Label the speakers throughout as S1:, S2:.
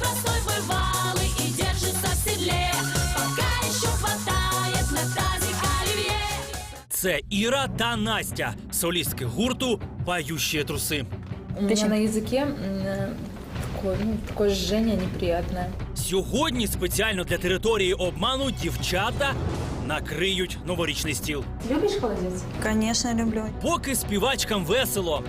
S1: простой бывалый и держится в седле. Пока еще хватает на тазик оливье.
S2: Це Іра та Настя, солістки гурту «Поющие трусы».
S3: У меня на языке такое жжение неприятное.
S2: Сьогодні спеціально для території обману дівчата накриють новорічний стіл.
S3: Любишь холодец?
S4: Конечно, люблю.
S2: Поки співачкам весело,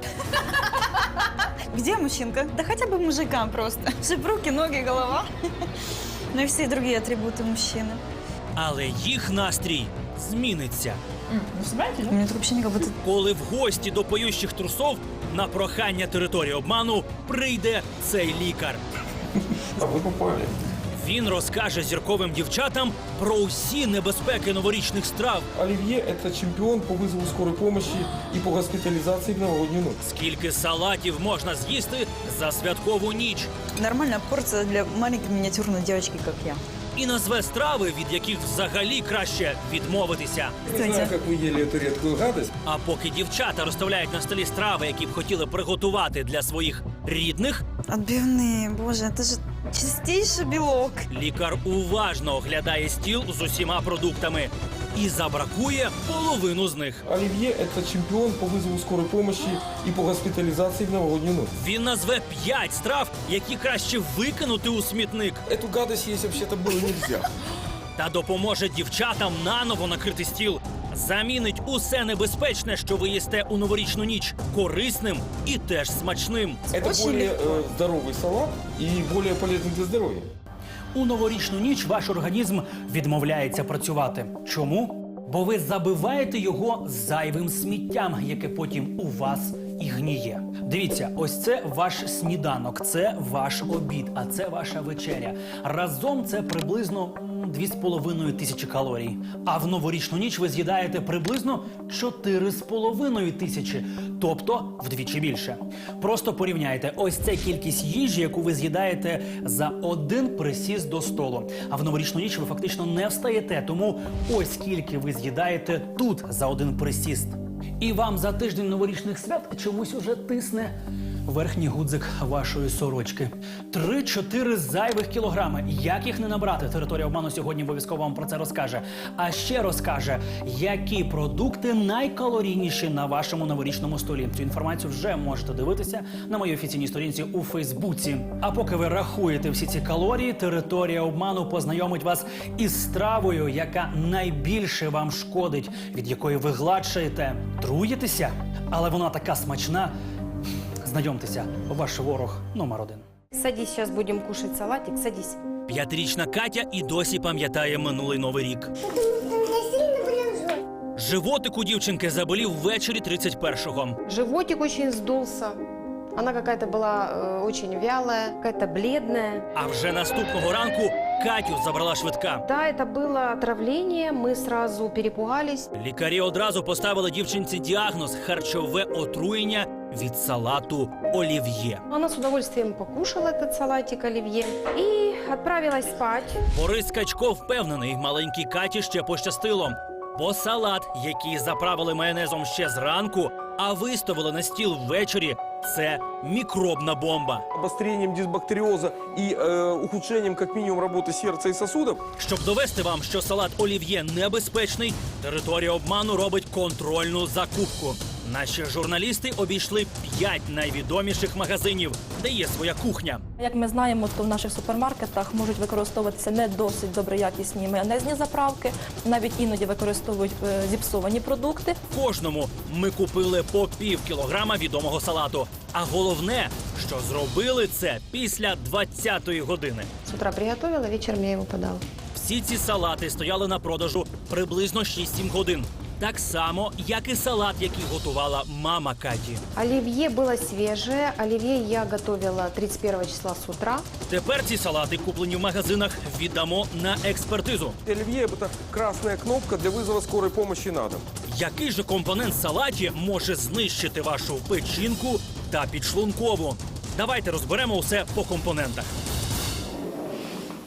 S4: Где мужчинка? Да хотя бы мужикам просто. Чтобы руки, ноги, голова. Ну и все другие атрибуты мужчины.
S2: але їх настрій зміниться.
S3: Вы собираетесь,
S4: У
S3: да?
S4: меня тут вообще как будто...
S2: Коли в гості до поющих трусов на прохання території обману прийде цей лікар.
S5: А вы попали.
S2: Він розкаже зірковим дівчатам про усі небезпеки новорічних страв,
S5: Оливье – это чемпион по вызову скорой помощи и по госпитализации в новогоднюю ночь.
S2: скільки салатів можна з'їсти за святкову ніч,
S4: Нормальная порция для маленькой миниатюрной девочки, как я.
S2: і назве страви, від яких взагалі краще відмовитися.
S5: Не знаю, как вы ели эту редкую гадость.
S2: А поки дівчата розставляють на столі страви, які б хотіли приготувати для своїх рідних,
S4: Отбивные, боже, это же чистейший белок.
S2: лікар уважно оглядає стіл з усіма продуктами і забракує половину з них.
S5: Оливье – это чемпион по вызову скорой помощи и по госпитализации в новогоднюю ночь.
S2: Він назве 5 страв, які краще викинути у смітник,
S5: Эту гадость есть вообще-то было нельзя.
S2: та допоможе дівчатам наново накрити стіл. Замінить усе небезпечне, що ви їсте у новорічну ніч, корисним і теж смачним.
S5: Это
S4: Очень
S5: более
S4: легко.
S5: здоровый салат и более полезный для здоровья.
S2: У новорічну ніч ваш організм відмовляється працювати. Чому? Бо ви забиваєте його зайвим сміттям, яке потім у вас і гніє. Дивіться, ось це ваш сніданок, це ваш обід, а це ваша вечеря. Разом це приблизно 2,5 тисячі калорій. А в новорічну ніч ви з'їдаєте приблизно 4,5 тисячі, тобто вдвічі більше. Просто порівняйте, ось це кількість їжі, яку ви з'їдаєте за один присіст до столу. А в новорічну ніч ви фактично не встаєте, тому ось скільки ви з'їдаєте тут за один присіст. І вам за тиждень новорічних свят чомусь уже тисне верхній гудзик вашої сорочки. 3-4 зайвих кілограми. Як їх не набрати? Територія обману сьогодні обов'язково вам про це розкаже. А ще розкаже, які продукти найкалорійніші на вашому новорічному столі. Цю інформацію вже можете дивитися на моїй офіційній сторінці у Фейсбуці. А поки ви рахуєте всі ці калорії, територія обману познайомить вас із стравою, яка найбільше вам шкодить, від якої ви гладшаєте. Труєтеся? Але вона така смачна. Знайомтеся, ваш ворог номер 1.
S6: Садись, сейчас будем кушать салатик, садись.
S2: 5-річна Катя і досі пам'ятає минулий Новий рік. Животик у дівчинки заболів ввечері 31-го.
S6: Животик очень вздулся. Она какая-то была очень вялая, какая-то бледная.
S2: А вже наступного ранку Катю забрала швидка.
S6: Да, это было отравление, мы сразу перепугались.
S2: Лікарі одразу поставили дівчинці діагноз – харчове отруєння від салату олів'є.
S6: Она с удовольствием покушала этот салатик оливье и отправилась спать.
S2: Борис Качко впевнений, маленькій Каті ще пощастило. Бо салат, який заправили майонезом ще зранку, а виставили на стіл ввечері – це мікробна бомба.
S5: Обострением дисбактериоза и ухудшением как минимум работы сердца и сосудов.
S2: Щоб довести вам, що салат олів'є небезпечний, територія обману робить контрольну закупку. Наші журналісти обійшли 5 найвідоміших магазинів, де є своя кухня.
S7: Як ми знаємо, то в наших супермаркетах можуть використовуватися не досить доброякісні майонезні заправки, навіть іноді використовують зіпсовані продукти.
S2: Кожному ми купили по пів кілограма відомого салату. А головне, що зробили це після 20-ї години.
S6: С утра приготовила, вечером я его подала.
S2: Всі ці салати стояли на продажу приблизно 6-7 годин. Так само, як і салат, який готувала мама Каті.
S6: Оливье было свежее. Оливье я готовила 31 числа с утра.
S2: Тепер ці салати, куплені в магазинах, віддамо на експертизу.
S5: Оливье – это красная кнопка для вызова скорой помощи на дом.
S2: Який же компонент в салаті може знищити вашу печінку та підшлункову? Давайте розберемо усе по компонентах.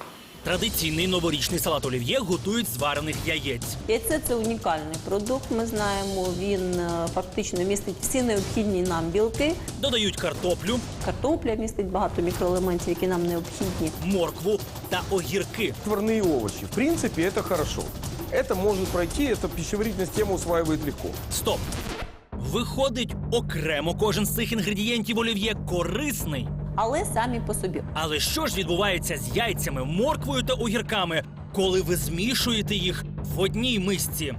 S2: Традиційний новорічний салат олів'є готують з варених яєць.
S8: Яйце – це унікальний продукт. Ми знаємо, він фактично містить всі необхідні нам білки.
S2: Додають картоплю,
S8: Картопля містить багато мікроелементів, які нам необхідні.
S2: моркву та огірки.
S5: Отварные овощи. В принципе, это хорошо. Это может пройти, это пищеварительная система усваивает легко.
S2: Стоп! Виходить, окремо кожен з цих інгредієнтів олів'є корисний.
S8: Але самі по собі.
S2: Але що ж відбувається з яйцями, морквою та огірками, коли ви змішуєте їх в одній мисці?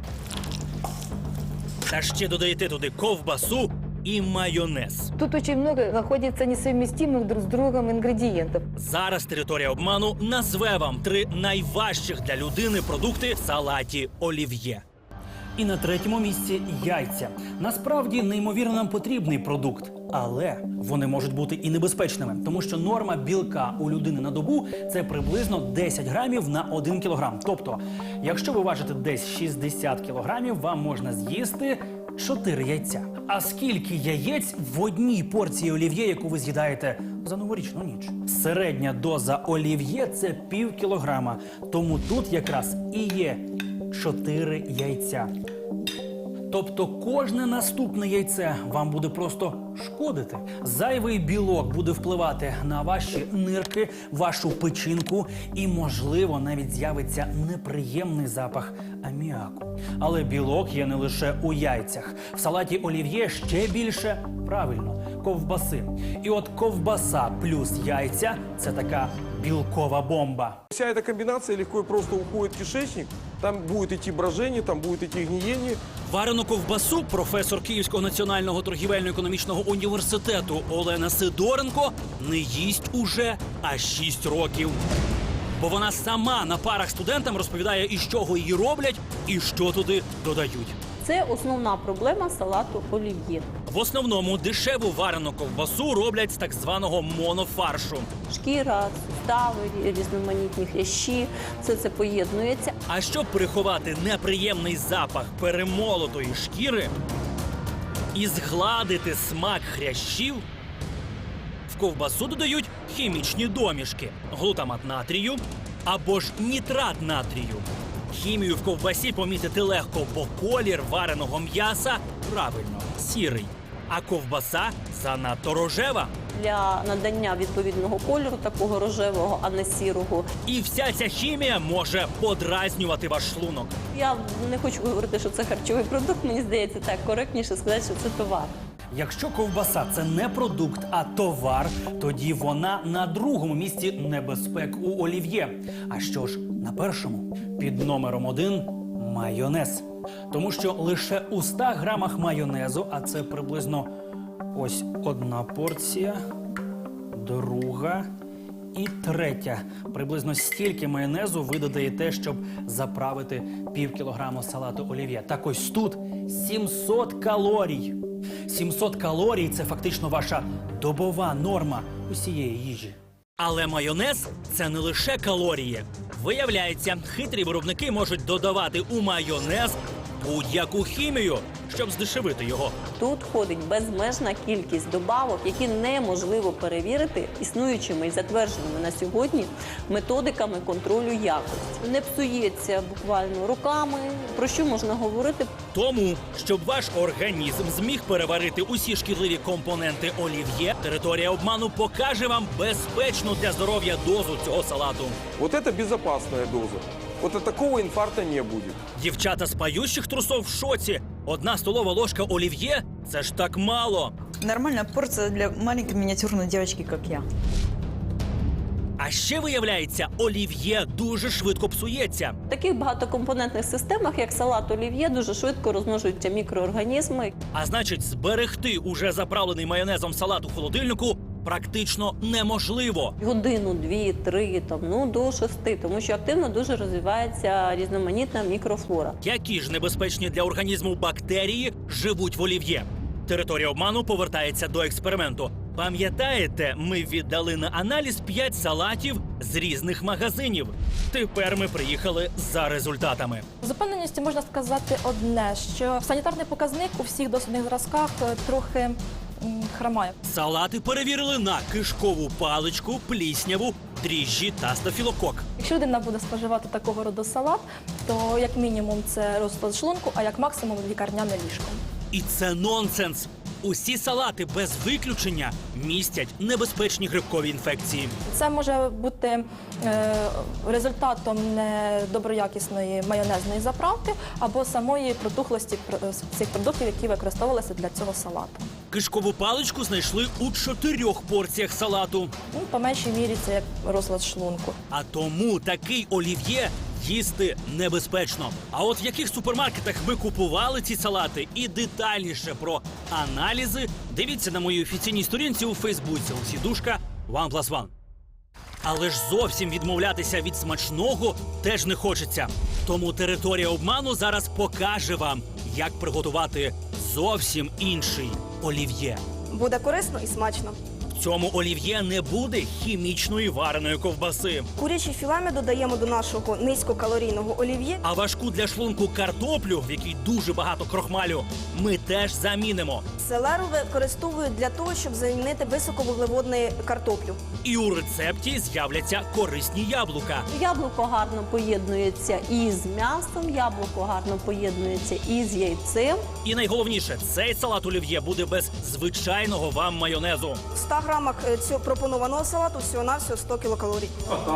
S2: Та ще додаєте туди ковбасу і майонез.
S9: Тут очень много находится несовместимых друг с другом ингредиентов.
S2: Зараз територія обману назве вам 3 найважчих для людини продукти в салаті олів'є. І на третьому місці яйця. Насправді неймовірно нам потрібний продукт, але вони можуть бути і небезпечними, тому що норма білка у людини на добу – це приблизно 10 грамів на 1 кілограм. Тобто, якщо ви важите десь 60 кілограмів, вам можна з'їсти 4 яйця. А скільки яєць в одній порції олів'є, яку ви з'їдаєте за новорічну ніч? Середня доза олів'є – це пів кілограма. Тому тут якраз і є 4 яйця. Тобто кожне наступне яйце вам буде просто шкодити. Зайвий білок буде впливати на ваші нирки, вашу печінку і, можливо, навіть з'явиться неприємний запах аміаку. Але білок є не лише у яйцях. В салаті олів'є ще більше, правильно, ковбаси. І от ковбаса плюс яйця – це така білкова бомба.
S5: Вся эта комбинация легко и просто уходит в кишечник. Там будет идти брожение, там будет идти гниение.
S2: Варену ковбасу професор Київського національного торгівельно-економічного університету Олена Сидоренко не їсть уже аж 6 років. Бо вона сама на парах студентам розповідає, із чого її роблять і що туди додають.
S8: Це основна проблема салату олів'є.
S2: В основному дешеву варену ковбасу роблять з так званого монофаршу.
S8: Шкіра, сустави, різноманітні хрящі – все це поєднується.
S2: А щоб приховати неприємний запах перемолотої шкіри і згладити смак хрящів, в ковбасу додають хімічні домішки – глутамат натрію або ж нітрат натрію. Хімію в ковбасі помітити легко, бо колір вареного м'яса правильно сірий, а ковбаса занадто рожева.
S8: Для надання відповідного кольору, такого рожевого, а не сірого.
S2: І вся ця хімія може подразнювати ваш шлунок.
S8: Я не хочу говорити, що це харчовий продукт. Мені здається, так коректніше сказати, що це товар.
S2: Якщо ковбаса – це не продукт, а товар, тоді вона на другому місці небезпек у олів'є. А що ж на першому? Під номером 1 – майонез. Тому що лише у 100 грамах майонезу, а це приблизно ось 1 порція, 2 і 3. Приблизно стільки майонезу ви додаєте, щоб заправити пів кілограму салату олів'є. Так ось тут 700 калорій. 700 калорій – це фактично ваша добова норма усієї їжі. Але майонез – це не лише калорії. Виявляється, хитрі виробники можуть додавати у майонез будь-яку хімію, щоб здешевити його.
S8: Тут ходить безмежна кількість добавок, які неможливо перевірити існуючими і затвердженими на сьогодні методиками контролю якості. Не псується буквально роками. Про що можна говорити?
S2: Тому, щоб ваш організм зміг переварити усі шкідливі компоненти олів'є, територія обману покаже вам безпечну для здоров'я дозу цього салату.
S5: Вот это безопасная доза. Вот от такого инфаркта не будет.
S2: Дівчата з пающих трусов в шоці. 1 столова ложка олів'є – це ж так мало.
S4: Нормальная порция для маленькой миниатюрной девочки, как я.
S2: А ще, виявляється, олів'є дуже швидко псується.
S8: В таких багатокомпонентних системах, як салат олів'є, дуже швидко розмножуються мікроорганізми.
S2: А значить, зберегти уже заправлений майонезом салат у холодильнику практично неможливо.
S8: Годину, 2, 3, до 6, тому що активно дуже розвивається різноманітна мікрофлора.
S2: Які ж небезпечні для організму бактерії живуть в олів'є? Територія обману повертається до експерименту. Пам'ятаєте, ми віддали на аналіз 5 салатів з різних магазинів. Тепер ми приїхали за результатами.
S7: З упевненістю можна сказати одне, що санітарний показник у всіх дослідних зразках трохи хромає.
S2: Салати перевірили на кишкову паличку, плісняву, дріжджі та стафілокок.
S7: Якщо людина буде споживати такого роду салат, то як мінімум це розлад шлунку, а як максимум лікарняне ліжко.
S2: І це нонсенс. Усі салати без виключення містять небезпечні грибкові інфекції.
S7: Це може бути результатом недоброякісної майонезної заправки або самої протухлості цих продуктів, які використовувалися для цього салату.
S2: Кишкову паличку знайшли у 4 порціях салату.
S7: Ну, по меншій мірі це як розлад шлунку.
S2: А тому такий олів'є їсти небезпечно. А от в яких супермаркетах ми купували ці салати і детальніше про аналізи, дивіться на моїй офіційній сторінці у Фейсбуці Олексій Душка OnePlus One. Але ж зовсім відмовлятися від смачного теж не хочеться. Тому територія обману зараз покаже вам, як приготувати зовсім інший олів'є.
S10: Буде корисно і смачно.
S2: В цьому олів'є не буде хімічної вареної ковбаси.
S10: Курячі філе ми додаємо до нашого низькокалорійного олів'є.
S2: А важку для шлунку картоплю, в якій дуже багато крохмалю, ми теж замінимо.
S10: Селеру використовують для того, щоб замінити високовуглеводну картоплю.
S2: І у рецепті з'являться корисні яблука.
S8: Яблуко гарно поєднується із м'ясом, яблуко гарно поєднується із яйцем.
S2: І найголовніше, цей салат олів'є буде без звичайного вам майонезу.
S10: В 100 грамах цього пропонованого салату всього-навсього 100 кілокалорій.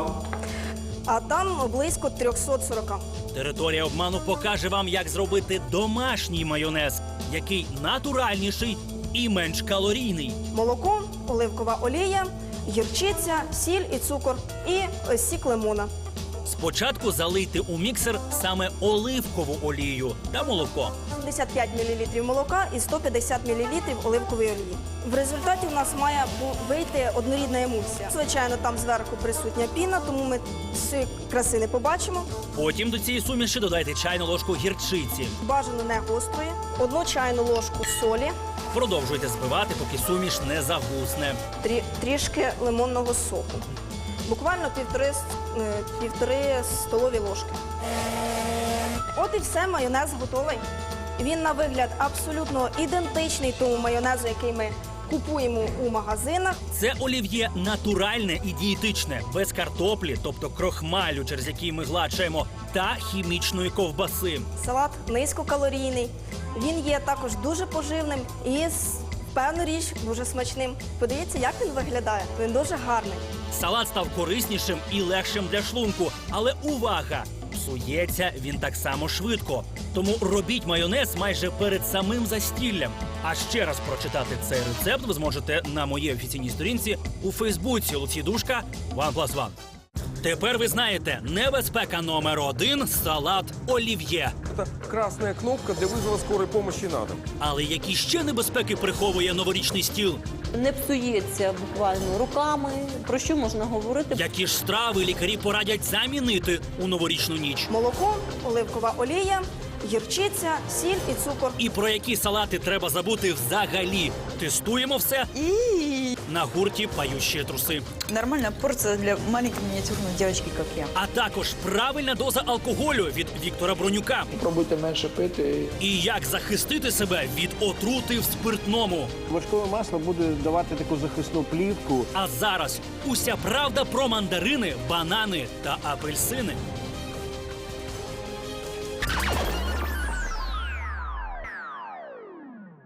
S10: А там близько 340.
S2: Територія обману покаже вам, як зробити домашній майонез, який натуральніший і менш калорійний.
S10: Молоко, оливкова олія, гірчиця, сіль і цукор і сік лимона.
S2: Спочатку залийте у міксер саме оливкову олію та молоко.
S10: 75 мл молока і 150 мл оливкової олії. В результаті у нас має вийти однорідна емульсія. Звичайно, там зверху присутня піна, тому ми всієї краси не побачимо.
S2: Потім до цієї суміші додайте чайну ложку гірчиці.
S10: Бажано не гострої, 1 чайну ложку солі,
S2: Продовжуйте збивати, поки суміш не загусне.
S10: трішки лимонного соку. Буквально півтори столові ложки. От і все, майонез готовий. Він на вигляд абсолютно ідентичний тому майонезу, який ми купуємо у магазинах.
S2: Це олів'є натуральне і дієтичне, без картоплі, тобто крохмалю, через який ми гладшаємо, та хімічної ковбаси.
S10: Салат низькокалорійний. Він є також дуже поживним і, певну річ, дуже смачним. Подивіться, як він виглядає. Він дуже гарний.
S2: Салат став кориснішим і легшим для шлунку. Але увага! Псується він так само швидко. Тому робіть майонез майже перед самим застіллям. А ще раз прочитати цей рецепт ви зможете на моїй офіційній сторінці у Фейсбуці Олексій Душка OnePlus One. Тепер ви знаєте, небезпека номер 1 – салат олів'є.
S5: Это красная кнопка для вызова скорой помощи на дом.
S2: Але які ще небезпеки приховує новорічний стіл?
S8: Не псується буквально руками. Про що можна говорити?
S2: Які ж страви лікарі порадять замінити у новорічну ніч?
S10: Молоко, оливкова олія, гірчиця, сіль і цукор.
S2: І про які салати треба забути взагалі? Тестуємо все на гурті «Поющие труси».
S4: Нормальная порция для маленькой миниатюрной девочки, как я.
S2: А також правильна доза алкоголю від Віктора Бронюка.
S11: Пробуйте менше пити.
S2: І як захистити себе від отрути в спиртному.
S11: Вершкове масло буде давати таку захисну плівку.
S2: А зараз уся правда про мандарини, банани та апельсини.